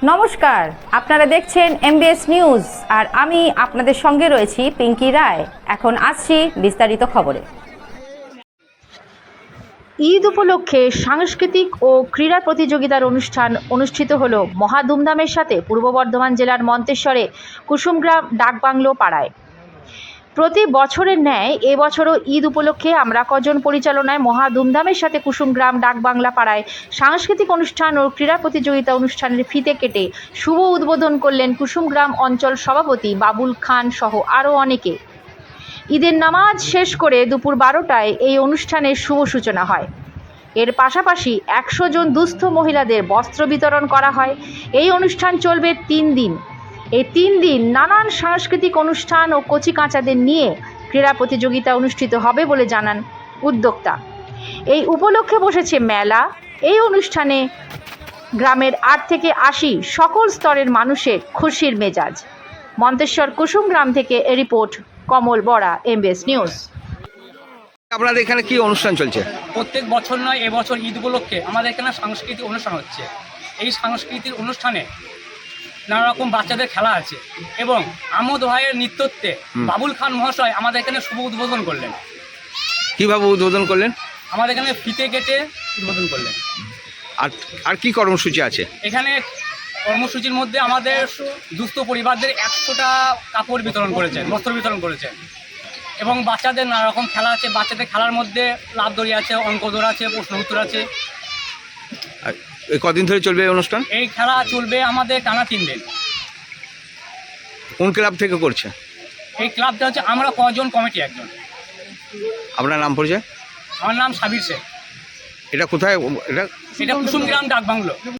নমস্কার, আপনারা দেখছেন এমবিএস নিউজ আর আমি আপনাদের সঙ্গে রয়েছি পিঙ্কি রায়। এখন আসছি বিস্তারিত খবরে। ঈদ উপলক্ষে সাংস্কৃতিক ও ক্রীড়া প্রতিযোগিতার অনুষ্ঠান অনুষ্ঠিত হলো মহা ধুমধামের সাথে পূর্ব বর্ধমান জেলার মন্তেশ্বরে কুসুমগ্রাম ডাকবাংলো পাড়ায়। প্রতি বছরের ন্যায় এবছরও ঈদ উপলক্ষে আমরা কজন পরিচালনায় মহা ধুমধামের সাথে কুসুমগ্রাম ডাকবাংলা পাড়ায় সাংস্কৃতিক অনুষ্ঠান ও ক্রীড়া প্রতিযোগিতা অনুষ্ঠানের ফিতে কেটে শুভ উদ্বোধন করলেন কুসুমগ্রাম অঞ্চল সভাপতি বাবুল খান সহ আরও অনেকে। ঈদের নামাজ শেষ করে দুপুর 12টায় এই অনুষ্ঠানের শুভ সূচনা হয়। এর পাশাপাশি 100 জন দুস্থ মহিলাদের বস্ত্র বিতরণ করা হয়। এই অনুষ্ঠান চলবে 3 দিন। এই 3 দিন নানান সাংস্কৃতিক অনুষ্ঠান ও কচিকাঁচাদের নিয়ে ক্রীড়া প্রতিযোগিতা অনুষ্ঠিত হবে বলে জানান উদ্যোক্তা। এই উপলক্ষে বসেছে মেলা। এই অনুষ্ঠানে গ্রামের 8 থেকে 80 সকল স্তরের মানুষের খুশির মেজাজ। মন্তেশ্বর কুসুমগ্রাম থেকে রিপোর্ট কমল বড়া, এমবিএস নিউজ। আপনাদের এখানে কি অনুষ্ঠান চলছে? প্রত্যেক বছর নয়, এবছর ঈদ উপলক্ষে আমাদের এখানে সাংস্কৃতিক অনুষ্ঠান হচ্ছে। এই সাংস্কৃতিক অনুষ্ঠানে নানা রকম বাচ্চাদের খেলা আছে এবং আমোদ ভাইয়ের নৃত্যত্বে বাবুল খান মহাশয় আমাদের এখানে শুভ উদ্বোধন করলেন। কিভাবে উদ্বোধন করলেন? আমাদের এখানে ফিতে কেটে উদ্বোধন করলেন। আর কি কর্মসূচি আছে এখানে? কর্মসূচির মধ্যে আমাদের দুস্থ পরিবারদের 100টা কাপড় বিতরণ করেছেন, বস্ত্র বিতরণ করেছেন এবং বাচ্চাদের নানা রকম খেলা আছে। বাচ্চাদের খেলার মধ্যে লাফ দড়ি আছে, অঙ্ক দৌড় আছে, প্রশ্ন উত্তর আছে। এই কদিন ধরে চলবে এই অনুষ্ঠান? এই খেলা চলবে আমাদের টানা 3 দিন। কোন ক্লাব থেকে করছে? এই ক্লাবটা হচ্ছে আমরা কজন কমিটি একজন। আপনার নাম পরিচয়? আমার নাম সাবির শেখ। এটা কোথায়? এটা কুসুমগ্রাম ডাকবাংলো।